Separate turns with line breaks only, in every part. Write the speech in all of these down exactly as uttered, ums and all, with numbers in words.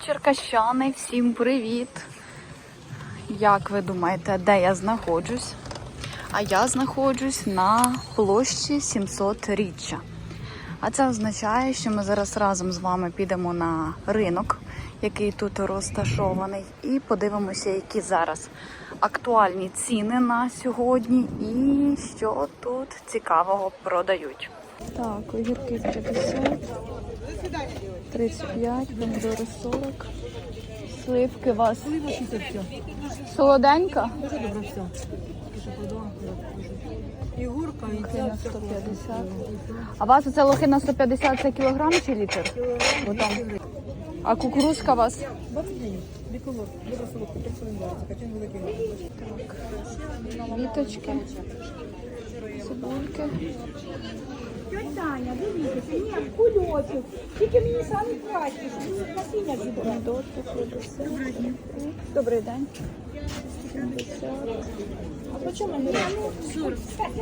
Черкащани, всім привіт! Як ви думаєте, де я знаходжусь? А я знаходжусь на площі сімсотріччя. А це означає, що ми зараз разом з вами підемо на ринок, який тут розташований, і подивимося, які зараз актуальні ціни на сьогодні і що тут цікавого продають. Так, огірки п'ятдесят, тридцять п'ять, помідори сорок, сливки у вас солоденька?
Дуже добре все. І гурка, і
Лохина сто п'ятдесят. А у вас оце лохина сто п'ятдесят, це кілограм чи літр? Отам. А кукурузка у вас?
двадцять гривень. Біколор. Добре солодко, так солодко. Качан великий.
Так. Віточки. Цибульки.
Таня, дивіться, ні, кульочок. Тільки мені самі краще, щоб насіння зібрати.
Помідорки, п'ятдесят. Добрий день.
А по чому ми робимо? сорок.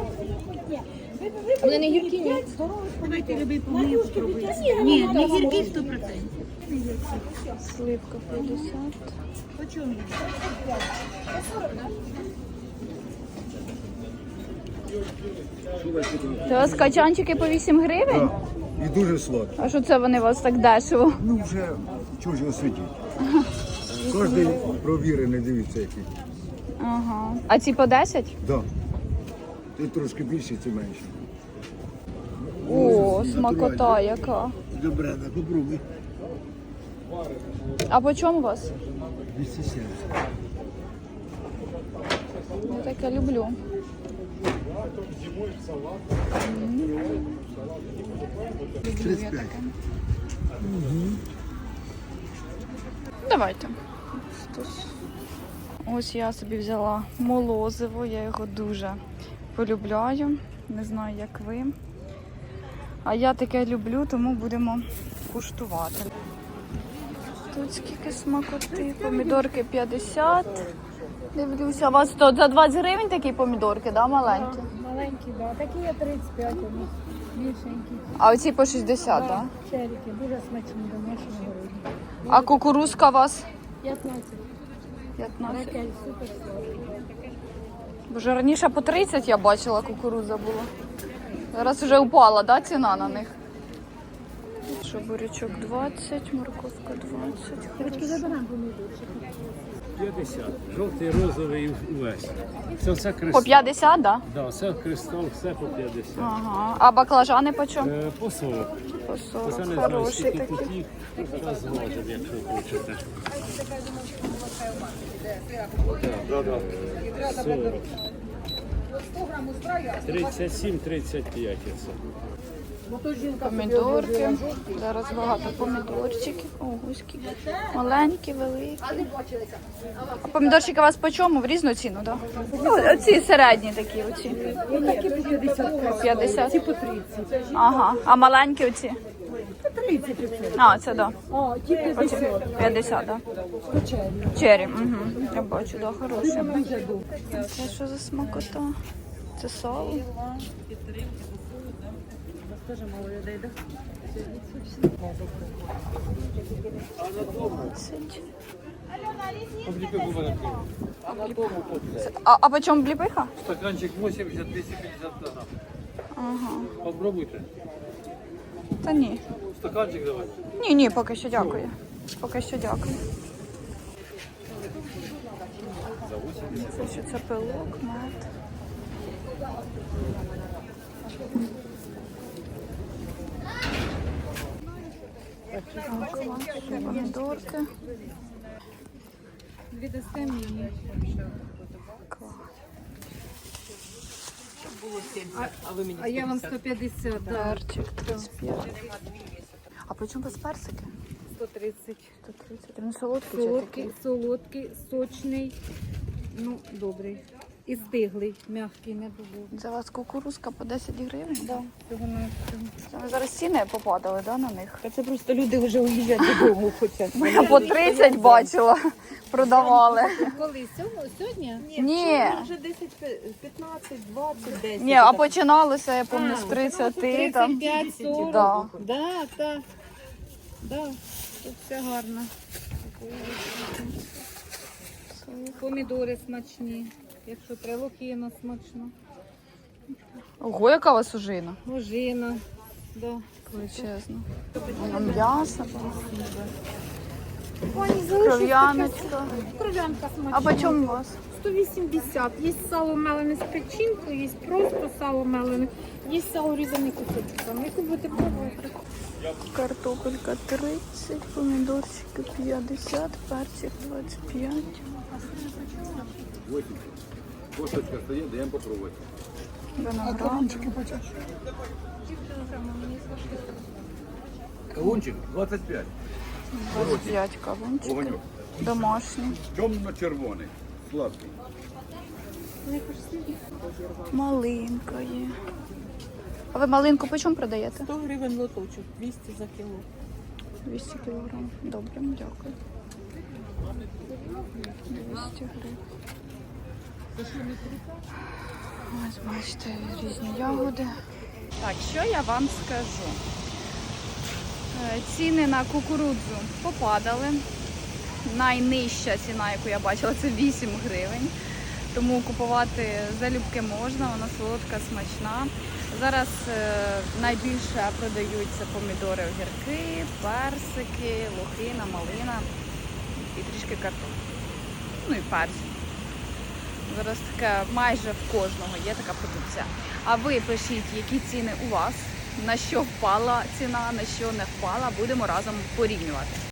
Вони не гіркі, ні?
Давайте любий помилку спробуйте. Ні, не гіркі сто відсотків.
Сливка п'ятдесят.
По чому?
Це у вас качанчики по вісім гривень?
І дуже сладко.
А що це вони у вас так дешево?
Ну вже чужого сидіть. Кожен провірений, дивіться який.
Ага. А ці по десять?
Да. Ти трошки більше, ці менше.
О, смакота яка.
Добре, да, попробуй.
А по чому у вас?
двісті сімдесят.
Я таке люблю. Люблю я таке. Давайте. Ось я собі взяла молозиво, я його дуже полюбляю. Не знаю, як ви. А я таке люблю, тому будемо куштувати. Тут скільки смакоти. Помідорки п'ятдесят. Дивлюся, у вас то за двадцять гривень такі помідорки, да, маленькі?
Маленькі, да. Такі є тридцять п'ять, вони більшенькі.
А оці по шістдесят, так? Да?
Черіки, дуже смачні, домашні городі.
А кукурузка у вас?
п'ятнадцять.
п'ятнадцять.
Ракель, супер сладкий.
Боже, раніше по тридцять я бачила, кукуруза була. Зараз вже упала, да, ціна на них? Що, бурячок двадцять, морковка двадцять.
Дівчатки, забираємо помідорчик.
п'ятдесят. Жовтий, розовий увесь. Це все
По
кристал.
п'ятдесят, да?
Да, все кристал, все по п'ятдесят.
Ага. А баклажани по чому?
Е, по сорок.
По
Це
сорок.
не знаю,
Хороші
скільки
такі.
тут їх. Зараз зважимо, якщо хочете. Да, да, да. сорок. тридцять сім тридцять п'ять це.
Помідорки. Зараз багато помідорчиків. Ого, скільки. Маленькі, великі. А помідорчики у вас по чому? В різну ціну, так? Да? Ну, оці середні такі, оці.
Такі по п'ятдесят.
По п'ятдесят.
Ці по тридцять.
Ага. А маленькі оці?
По тридцять оце.
А, це да.
А, ті п'ятдесят.
п'ятдесят, да. Черрі. Угу. Я бачу, да, хороші. Це що за смакота? Це сало. двадцять. Це- А, а по чому бліпиха?
Стаканчик вісімдесят двісті п'ятдесят грам.
Ага.
Попробуйте.
Та ні.
Стаканчик давай.
Ні, ні, поки що дякую. Поки що дякую. Це що це пилок, мед. Помідорки.
Віддасте мені.
Клас.
А я вам сто п'ятдесят, да.
Перчик тридцять п'ять. А по чому у вас персики?
сто тридцять.
сто тридцять. Він солодкий чи
Солодкий,
такий?
солодкий, сочний, ну, добрий. І стиглий, м'який, не дуже.
Це у вас кукурузка по десять гривень?
Да, цього на
Це зараз ціни попадали, да, на них?
Це просто люди вже уїжджати додому хочуть.
Я по тридцять бачила, продавали.
Коли? Сьогодні?
Ні,
Вже десять, п'ятнадцять, двадцять, десять.
ні, а починалося, я пам'ятаю, з тридцяти там.
тридцять п'ять сорок.
Да.
Да, так. Да, тут все гарно. Помідори смачні. Якщо треба, лохіна смачно.
Ого, яка у вас ужина.
Ожина. Да.
Величезно. М'ясо,
Пані,
кров'яночка.
Кров'янка смачна.
А по чому у вас?
сто вісімдесят. Є сало мелене з печінкою, є просто сало мелене, є сало різане кусочками. Яку будете пробувати?
Картопелька тридцять, помідорчики п'ятдесят, перчик двадцять п'ять.
Косточка стоїть, даємо попробувати.
Виноград.
Кавунчик двадцять п'ять.
двадцять п'ять кавунчиків.
Огоньок.
Домашні.
Темно-червоний. Сладкий.
Малинка є. А ви малинку по чому продаєте?
сто гривень лоточок, двісті за кіло.
двісті кілограм. Добре, дякую. двісті гривень. Ось бачите, різні ягоди. Так, що я вам скажу? Е, Ціни на кукурудзу попадали. Найнижча ціна, яку я бачила, це вісім гривень. Тому купувати залюбки можна, вона солодка, смачна. Зараз е, найбільше продаються помідори, огірки, персики, лохина, малина і трішки картоплі. Ну і перці. Зараз таке майже в кожного є така продукція. А ви пишіть, які ціни у вас, на що впала ціна, на що не впала. Будемо разом порівнювати.